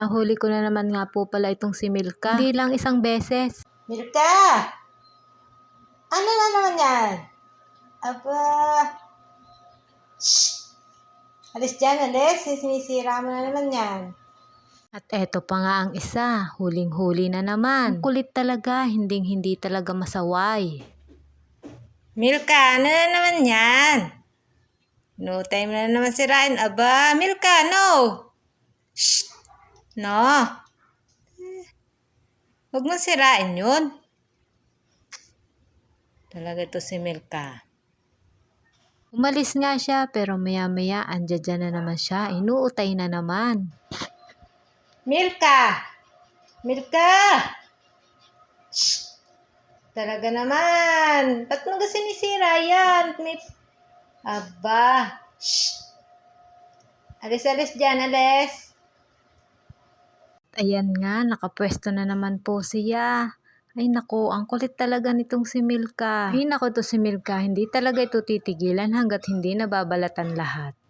Nahuli ko na naman nga po pala itong si Milka. Hindi lang isang beses. Milka! Ano na naman yan? Aba! Shh! Alis dyan, alis. Sinisira mo na naman yan. At eto pa nga ang isa, huling-huli na naman. Ang kulit talaga, hindi talaga masaway. Milka, ano na naman yan? No time na naman sirain. Aba, Milka, no! Shh! No! Huwag mo sirain yun. Talaga ito si Milka. Umalis nga siya pero maya-maya andyan na naman siya, inuutay na naman. Milka! Milka! Shh! Talaga naman. Ba't mo kasi sinisira yan? Aba! Shh! Alis dyan, alis. Ayan nga, nakapwesto na naman po siya. Ay nako, ang kulit talaga nitong si Milka. Ay nako, to si Milka, hindi talaga ito titigilan hanggat hindi nababalatan lahat.